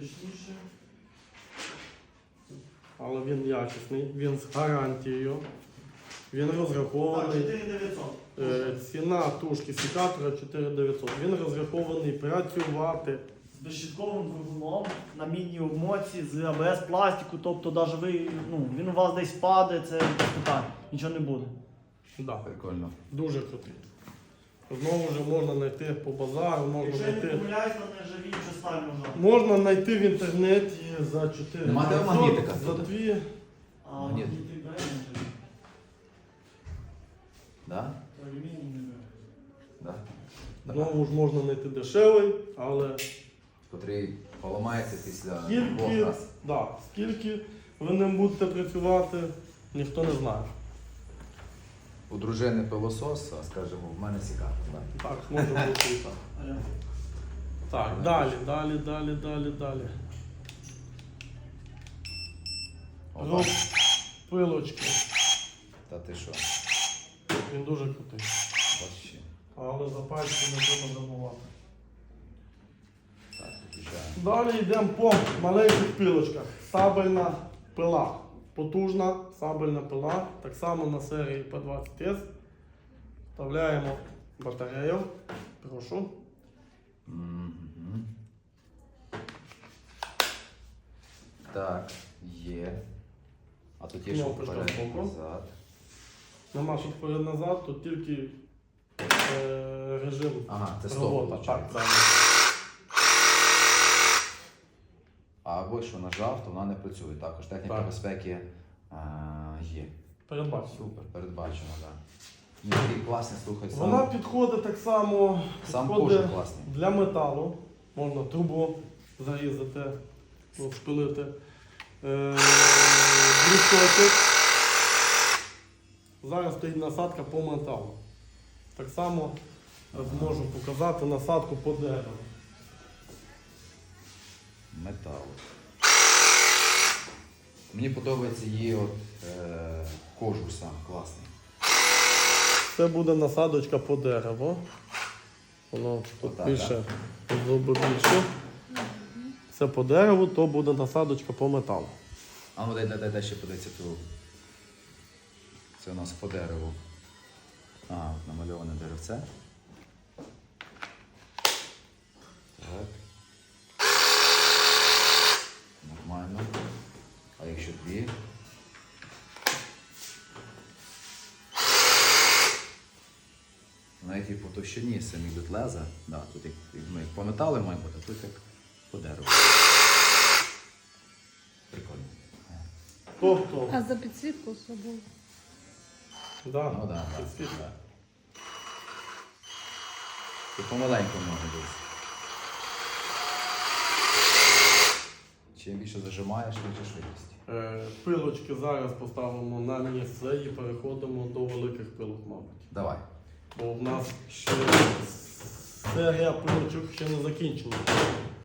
точніше. Але він якісний, він з гарантією. Він Так, розрахований. 4900. Ціна тушки секатора 4900. Він розрахований працювати. З безщітковим двигуном на міні-обмотці, з АБС пластику, тобто навіть ви, він у вас десь впаде, це без питань, нічого не буде. Да, Прикольно. дуже крутий. Знову ж можна знайти по базару, можна Якщо я не знайти. помиляюсь, то не живіть сталь можна. Можна знайти в інтернеті за 4 Нема де магнітика за тут? 2. А Магніт. магнітик бере, не живіть. Да? То алюміній не бере. Да. Знову ж можна знайти дешевий, але Котрий поламається після двох скільки, разів. да, скільки ви ним будете працювати, ніхто не знає. У дружини пилосос, а скажімо, в мене секатор. Да? Так, може бути і так. Алло. Так, далі. Опа. Пилочки. Та ти що? Він дуже крутий. Вообще. Але за пальці не треба забувати. Так, підключаємо. Далі йдемо по маленьких пилочках. Сабельна пила. Потужна сабельна пила. Так само на серії P20S. Вставляємо батарею. Прошу. Мгм. Так, є. А тут є що Кнопочка вперед, збоку. назад. Нема що вперед-назад, тут тільки режим Ага, це стоп. робота. виходить. Так, так. А або що нажав, то вона не працює. Також техніка Так. безпеки є. Передбачено. Супер, передбачено, так. Да. Такий класний, слухай, Вона сам, підходить так само сам підходить кожух класний. для металу. Можна трубу зарізати, обшпилити. Брусочок. Зараз стоїть насадка по металу. Так само зможу показати насадку по дереву. Метал. Мені подобається її кожух сам класний. Це буде насадочка по дереву. Воно тут Отак, більше зуби більше. Це по дереву, то буде насадочка по металу. А ну дай ще подивитися ту. Це у нас по дереву. Ага, намальоване деревце. Так. Нормально. А якщо дві? Навіть і по товщині самі йдуть леза. Да, тут як по металу має бути, а тут як по дереву. Прикольно. Тобто, А за підсвітку особливо. да, Ну да, підсвітка. да. Тут помаленькому може бути. Чим більше зажимаєш, більше швидкість. Пилочки зараз поставимо на місце і переходимо до великих пилок, мабуть. Давай. Бо в нас ще серія пилочок ще не закінчена.